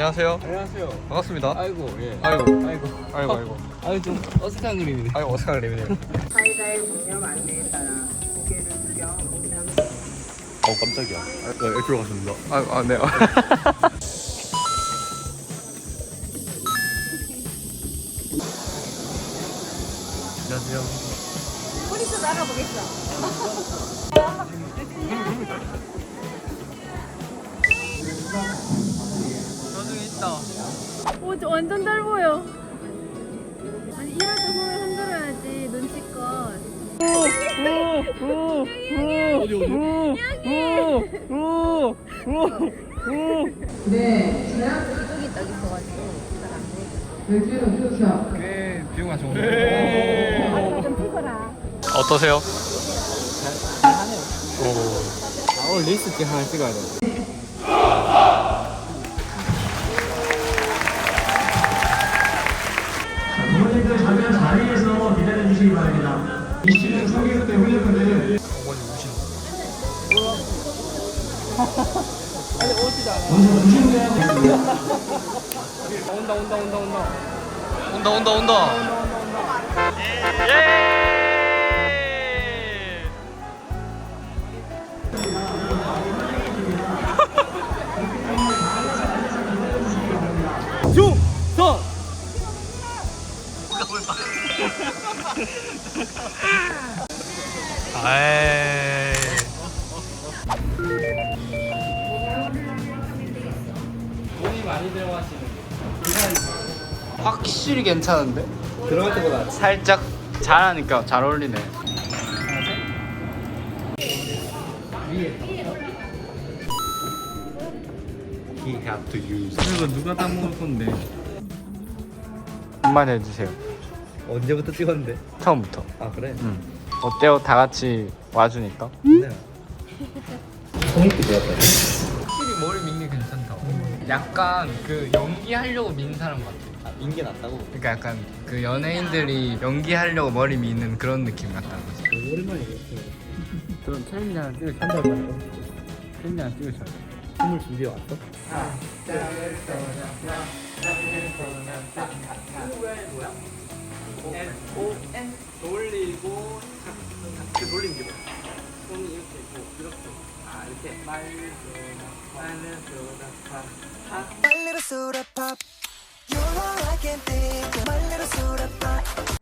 안녕하세요. 안녕하세요. 반갑습니다. 아이고, 예. 아이고. 좀 어색한 그림이네. 아이고 어색한 림이네요. 사이다의 공념 안내에 따라 고개를 숙여 그냥 깜짝이야. 네, 들어가십니다. 네. 안녕하세요. 뿌리도 나가보겠어. 나중에 있다. 오, 저 완전 잘 보여. 아니, 이럴 때 손을 흔들어야지, 눈치껏. 이쪽이 딱 있어가지고 잘안 돼. 꽤 비용가 좋은 아이가 좀 피거라. 어떠세요? 잘하네요. 오. 오늘 리스트 찍 하나 찍어야 돼. 부모님들 잠깐 자리에서 기다려 주시기 바랍니다. 27년 성교육 때 훈련분들 먼저 부신대야 되겠습니다. 온다. 예. 중성! 아이. 돈이 많이 들어가시는 확실히 괜찮은데? 들어갈 때보다 살짝 잘하니까 잘 어울리네. He have to use. 이거 누가 다 먹을 건데? 한마디 해주세요. 언제부터 찍었는데? 처음부터. 아 그래? 응. 어때요? 다 같이 와주니까? 네. 성립이 되었다. 확실히 머리 민게 괜찮다. 약간 그 연기하려고 민 사람 같아. 아, 민게 낫다고? 그러니까 약간 그 연예인들이 연기하려고 머리 미는 그런 느낌 같다는 거지. 오랜만이겠어. 그럼 챌린지 하나 찍으셔야 돼. 챌린지 하나 찍으셔야 돼. 춤을 준비해 왔어? N 돌리고 이렇게 돌리는 게 뭐야? 손이 이렇게 있고 이렇게 이렇게 My little soda pop. You're all I can think of. My little soda pop.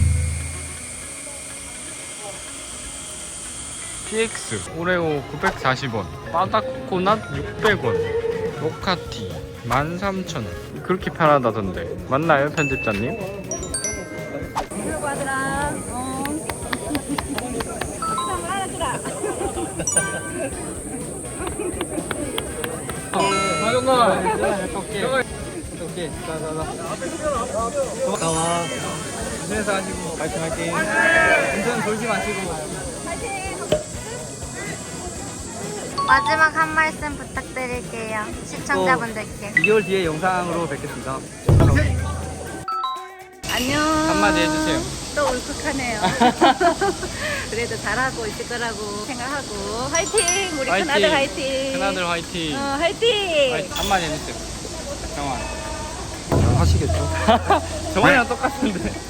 PX 오레오 940원, 바닥코넛 600원, 로카티 13,000원. 그렇게 편하다던데 맞나요, 편집자님? 들고 하더라. 참 알아주라. 오케이 나와 운전해서 하시고 파이팅 운전 돌지 마시고 마지막 한 말씀 부탁드릴게요. 시청자분들께. 2개월 뒤에 영상으로 뵙겠습니다. 안녕. 한마디 해주세요. 또 울컥하네요. 그래도 잘하고 있을 거라고 생각하고. 화이팅! 우리 큰아들 화이팅! 큰아들 화이팅! 화이팅! 한마디 해주세요. 정환. 하시겠죠? 정환이랑 똑같은데.